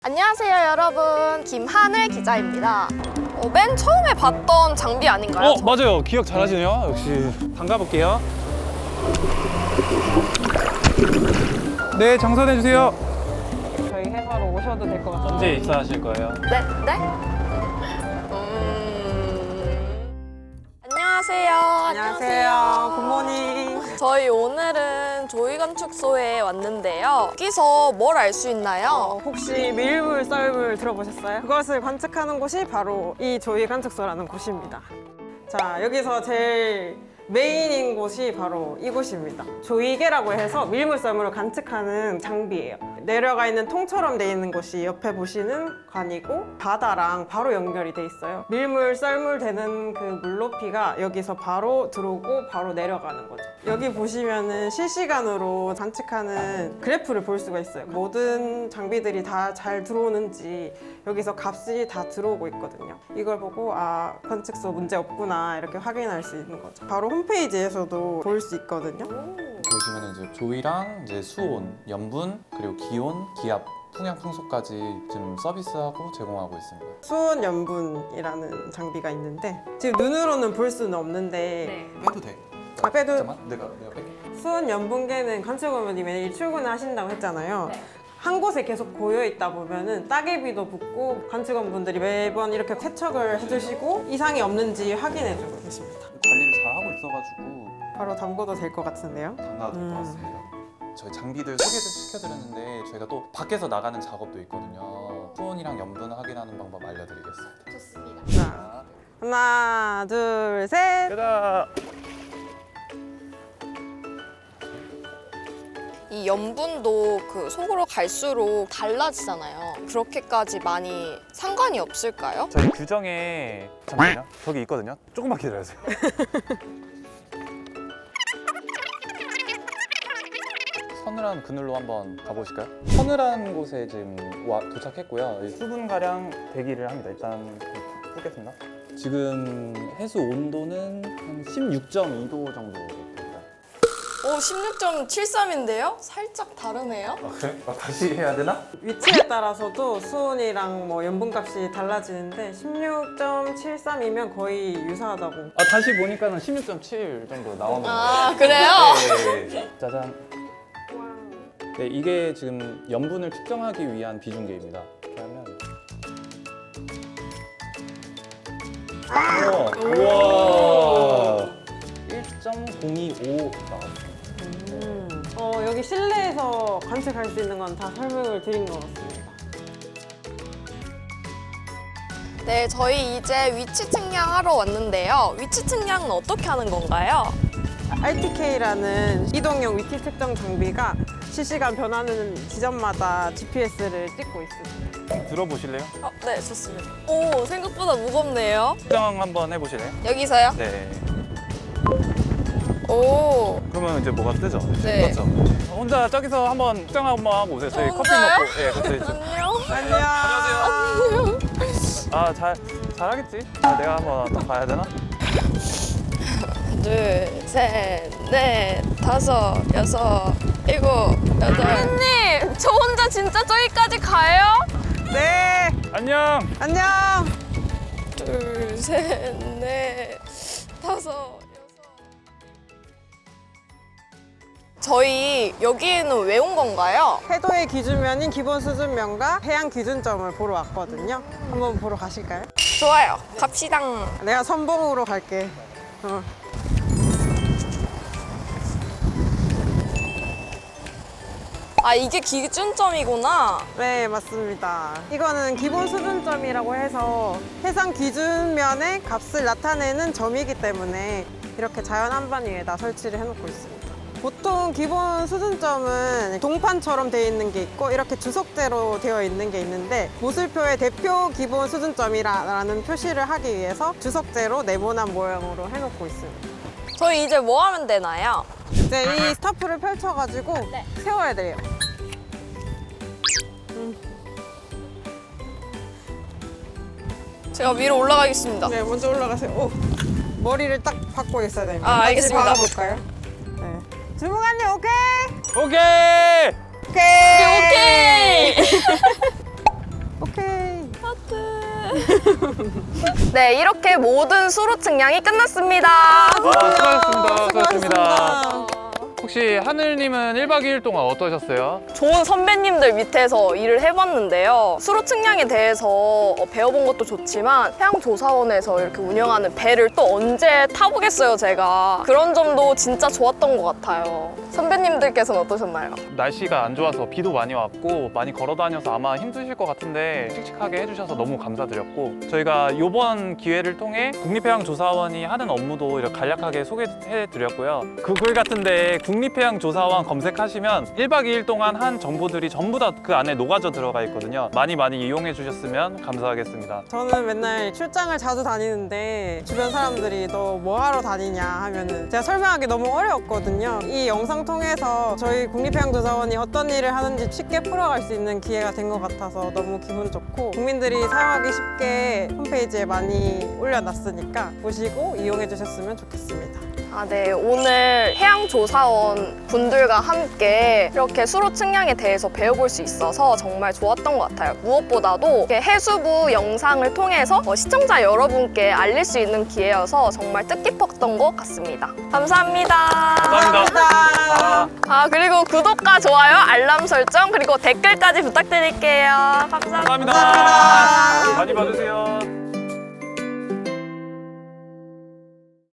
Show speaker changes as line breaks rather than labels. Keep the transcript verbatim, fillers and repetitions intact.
안녕하세요 여러분, 김하늘 기자입니다. 어, 맨 처음에 봤던 장비 아닌가요?
어 맞아요. 기억 잘하시네요. 역시 담가볼게요. 네, 정선해 주세요.
저희 회사로 오셔도 될 것 같아요.
언제 입사하실 거예요?
네? 네? 음... 안녕하세요.
안녕하세요. 굿모닝.
저희 오늘은 조이건축소에 왔는데요. 여기서 뭘 알 수
어,
있나요?
혹시 밀물 썰물 들어보셨어요? 그것을 관측하는 곳이 바로 이 조이 관측소라는 곳입니다. 자, 여기서 제일 메인인 곳이 바로 이곳입니다. 조이개라고 해서 밀물 썰물을 관측하는 장비예요. 내려가 있는 통처럼 돼 있는 곳이 옆에 보시는 관이고 바다랑 바로 연결이 돼 있어요. 밀물 썰물 되는 그 물높이가 여기서 바로 들어오고 바로 내려가는 거죠. 여기 보시면은 실시간으로 관측하는 그래프를 볼 수가 있어요. 모든 장비들이 다 잘 들어오는지 여기서 값이 다 들어오고 있거든요. 이걸 보고 아, 관측소 문제 없구나 이렇게 확인할 수 있는 거죠. 바로 홈페이지에서도 볼 수 있거든요.
보시면 이제 조이랑 이제 수온, 염분, 그리고 기온, 기압, 풍향, 풍속까지 지금 서비스하고 제공하고 있습니다.
수온 염분이라는 장비가 있는데 지금 눈으로는 볼 수는 없는데
빼도 돼.
아, 빼도
잠깐만, 내가 내가 뺄게.
수온 염분계는 관측원분이 매일 출근하신다고 했잖아요.
네.
한 곳에 계속 고여 있다 보면은 따개비도 붙고 관측원분들이 매번 이렇게 세척을 해주시고 이상이 없는지 확인해주고 계십니다.
관리를 잘 하고 있어가지고
바로 담궈도 될 것 같은데요.
담가도 될 것
음.
같습니다. 저희 장비들 소개를 시켜드렸는데 저희가 또 밖에서 나가는 작업도 있거든요. 수온이랑 염분 확인하는 방법 알려드리겠습니다.
좋습니다.
자, 하나, 둘, 셋.
가자.
이 염분도 그 속으로 갈수록 달라지잖아요. 그렇게까지 많이 상관이 없을까요?
저희 규정에 잠깐만요. 저기 있거든요. 조금만 기다려주세요.
서늘한 그늘로 한번 가보실까요? 서늘한 곳에 지금 와 도착했고요.
수 분 가량 대기를 합니다. 일단 푸겠습니다.
지금 해수 온도는 한 십육 점 이 도 정도 됩니다.
오, 십육 점 칠삼인데요? 살짝 다르네요?
아 그래? 아, 다시 해야 되나?
위치에 따라서도 수온이랑 뭐 염분값이 달라지는데 십육 점 칠삼이면 거의 유사하다고.
아 다시 보니까는 십육 점 칠 정도 나오는 거예요.
아, 그래요?
네. 짜잔. 네, 이게 지금 염분을 측정하기 위한 비중계입니다. 그러면 우와, 일 점 공이오 나왔습니다.
음. 어, 여기 실내에서 관측할 수 있는 건 다 설명을 드린 것 같습니다.
네, 저희 이제 위치 측량하러 왔는데요. 위치 측량은 어떻게 하는 건가요?
알티케이라는 이동형 위치 측정 장비가 실시간 변하는 지점마다 지피에스를 찍고 있습니다.
들어보실래요?
어, 네, 좋습니다. 오, 생각보다 무겁네요.
측정 한번 해보실래요?
여기서요?
네.
오,
그러면 이제 뭐가 뜨죠?
네.
그렇죠.
혼자 저기서 한번 측정 한번 하고 오세요. 저희
저
커피
혼자요?
먹고. 예, 같이 있죠.
안녕.
안녕.
아, 잘 잘하겠지? 아, 내가 한번 더 봐야 되나?
둘, 셋, 넷, 다섯, 여섯, 일곱, 여덟. 선생님, 저 혼자 진짜 저기까지 가요?
네.
안녕.
안녕.
둘, 셋, 넷, 다섯, 여섯. 저희 여기에는 왜 온 건가요?
해도의 기준면인 기본 수준면과 해양 기준점을 보러 왔거든요. 한번 보러 가실까요?
좋아요. 갑시다.
내가 선봉으로 갈게. 어.
아, 이게 기준점이구나.
네, 맞습니다. 이거는 기본 수준점이라고 해서 해상 기준면의 값을 나타내는 점이기 때문에 이렇게 자연 한반 위에다 설치를 해놓고 있습니다. 보통 기본 수준점은 동판처럼 되어 있는 게 있고 이렇게 주석대로 되어 있는 게 있는데 모슬표의 대표 기본 수준점이라는 표시를 하기 위해서 주석대로 네모난 모양으로 해놓고 있습니다.
저희 이제 뭐 하면 되나요?
이제 이 스타프를 펼쳐가지고
네.
세워야 돼요.
제가 위로 올라가겠습니다.
네, 먼저 올라가세요. 오, 머리를 딱 박고 있어야 됩니다.
아, 알겠습니다.
같이 박아볼까요? 네. 주무관님 오케이?
오케이.
오케이.
오케이. 네, 이렇게 모든 수로 측량이 끝났습니다.
아, 수고하셨습니다.
수고하셨습니다.
혹시 하늘님은 일 박 이 일 동안 어떠셨어요?
좋은 선배님들 밑에서 일을 해봤는데요. 수로 측량에 대해서 어, 배워본 것도 좋지만 해양조사원에서 이렇게 운영하는 배를 또 언제 타보겠어요, 제가. 그런 점도 진짜 좋았던 것 같아요. 선배님들께서는 어떠셨나요?
날씨가 안 좋아서 비도 많이 왔고 많이 걸어 다녀서 아마 힘드실 것 같은데 씩씩하게 해주셔서 너무 감사드렸고 저희가 이번 기회를 통해 국립해양조사원이 하는 업무도 이렇게 간략하게 소개해드렸고요. 구글 같은데 국립해양조사원 검색하시면 일 박 이 일 동안 한 정보들이 전부 다 그 안에 녹아져 들어가 있거든요. 많이 많이 이용해 주셨으면 감사하겠습니다.
저는 맨날 출장을 자주 다니는데 주변 사람들이 너 뭐 하러 다니냐 하면은 제가 설명하기 너무 어려웠거든요. 이 영상 통해서 저희 국립해양조사원이 어떤 일을 하는지 쉽게 풀어갈 수 있는 기회가 된 것 같아서 너무 기분 좋고 국민들이 사용하기 쉽게 홈페이지에 많이 올려놨으니까 보시고 이용해 주셨으면 좋겠습니다.
아, 네. 오늘 해양조사원 분들과 함께 이렇게 수로 측량에 대해서 배워볼 수 있어서 정말 좋았던 것 같아요. 무엇보다도 이렇게 해수부 영상을 통해서 어, 시청자 여러분께 알릴 수 있는 기회여서 정말 뜻깊었던 것 같습니다. 감사합니다.
감사합니다. 아.
아, 그리고 구독과 좋아요, 알람 설정, 그리고 댓글까지 부탁드릴게요. 감사합니다.
감사합니다. 많이 봐주세요.